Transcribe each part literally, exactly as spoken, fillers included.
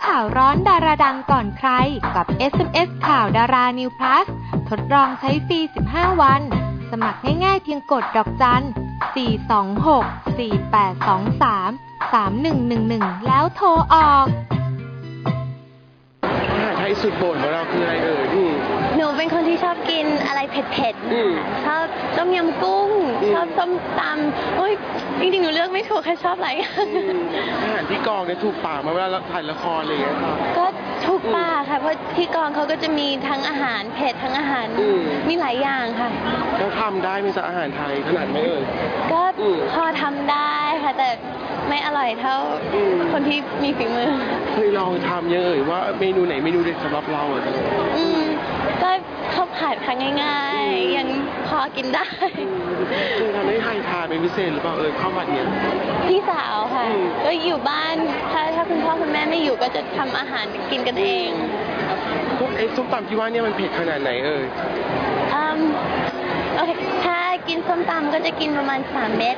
ข่าวร้อนดาราดังก่อนใครกับ เอส เอ็ม เอส ข่าวดารา New Plus ทดลองใช้ฟรี สิบห้า วัน สมัครง่ายๆเพียงกดดอกจัน สี่ สอง หก สี่ แปด สอง สาม สาม หนึ่ง หนึ่ง หนึ่ง แล้วโทรออกอาหารไทยสุดโปรดของเราคืออะไรเอ่ยพี่หนูเป็นคนที่ชอบกินอะไรเผ็ดๆชอบต้มยำกุ้งชอบส้มตำโอ้ยจริงๆหนูเลือกไม่ถูกแค่ชอบอะไรอาหารที่กองเนี่ยถูกปากมาเวลาเราถ่ายละครอะไรอย่างเงี้ยค่ะก็ถูกปากค่ะเพราะที่กองเขาก็จะมีทั้งอาหารเผ็ดทั้งอาหารมีหลายอย่างค่ะก็ทำได้มีสักอาหารไทยขนาดไหมเอ่ยก็พอทำได้ค่ะแต่ไม่อร่อยเท่าคนที่มีฝีมือเคยลองทำยังเอ่ยว่าเมนูไหนเมนูเด็ดสำหรับเราอ่ะอืมก็ข้าวผัดค่ะง่ายๆยังพอกินได้เคยทำให้ใครทานเป็นพิเศษหรือเปล่าเอ่ยข้าวผัดเนี้ยพี่สาวค่ะก็อยู่บ้านถ้าถ้าคุณพ่อคุณแม่ไม่อยู่ก็จะทำอาหารกินกันเองพวกไอ้ส้มตำที่ว่าเนี่ยมันเผ็ดขนาดไหนเอ่ยอืมโอเคถ้ากินส้มตำก็จะกินประมาณสามเม็ด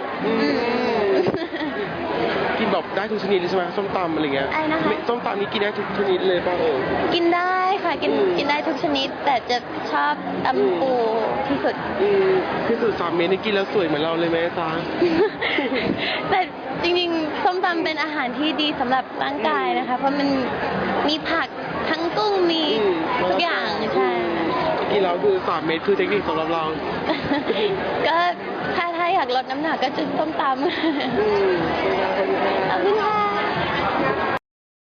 กินแบบได้ทุกชนิดเลยใช่ไหมส้มตำอะไรเงี้ยไอ้นะคะส้มตำนี้กินได้ทุกชนิดเลยป่ะเออกินได้ค่ะกินกินได้ทุกชนิดแต่จะชอบตำปูที่สุดที่สุดสามเม็ดนี่กินแล้วสวยเหมือนเราเลยไหมจ๊ะแต่จริงๆส้มตำเป็นอาหารที่ดีสำหรับร่างกายนะคะเพราะมันมีผักทั้งกุ้งมีทุกอย่างใช่กินแล้วคือสามเม็ดคือเทคนิคสำหรับเราก็ถ้าถ้าอยากลดน้ำหนักก็จะส้มตำขอบคุณค่ะ